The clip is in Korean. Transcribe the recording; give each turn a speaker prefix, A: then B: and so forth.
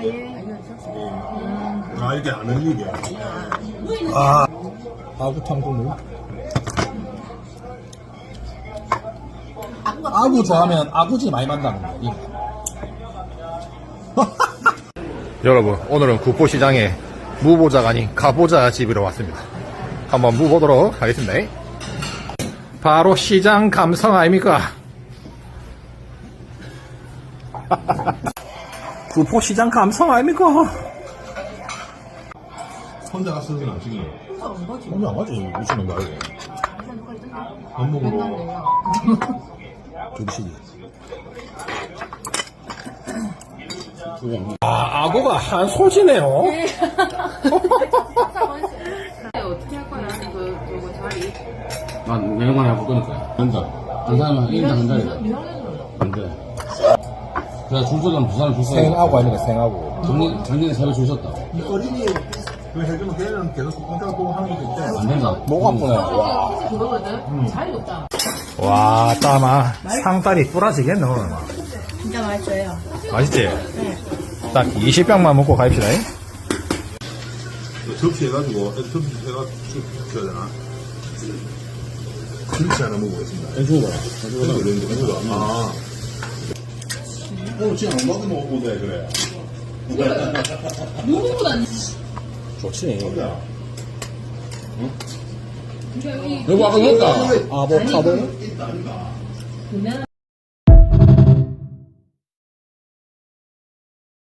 A: 아, 이게 안 흘리게.
B: 아, 아구탕 국물. 아구 좋아하면 아구지 많이 만나는 거지. 여러분, 오늘은 구포시장에 무보자가 아닌 가보자 집으로 왔습니다. 한번 무보도록 하겠습니다. 바로 시장 감성 아닙니까? 구포시장 감성 아닙니까?
A: 혼자 갔으면 안 찍네.
B: 혼자 안 가지. 미친놈 말고.
A: 밥 먹으러.
B: 조기시기. 아, 아구가 한 소지네요.
C: 어떻게 할 거야? 그거 자리.
D: 난 내년만에 해볼 거니까. 된다. 한 사람은 1인당 한 자리다. 안 돼. 그래, 줄 서면 부산을 줄 서야
B: 생아구 아닙니까, 생아구.
D: 작년에 새로 줄 섰다.
A: 이 어린이 그 해주면 걔는 계속 공짜로 보고 하는 게 있대.
D: 안 된다.
B: 목 아프네. 와.
C: 그거거든. 자리 없다.
B: 와, 따마. 상다리 뿌라지겠네, 오늘.
C: 진짜 맛있어요.
B: 맛있지? 딱 20병만 먹고 가입시다.
A: 접시 해가지고, 접시 해가지고 줘야 되나? 김치 하나 먹어보겠습니다.
D: 해줘봐.
A: 아. 오늘 진짜 안 먹으면 먹어보자, 그래.
C: 누구보다
B: 좋지.
D: 여보, 아까 먹었다.
B: 아보카도?
C: 보면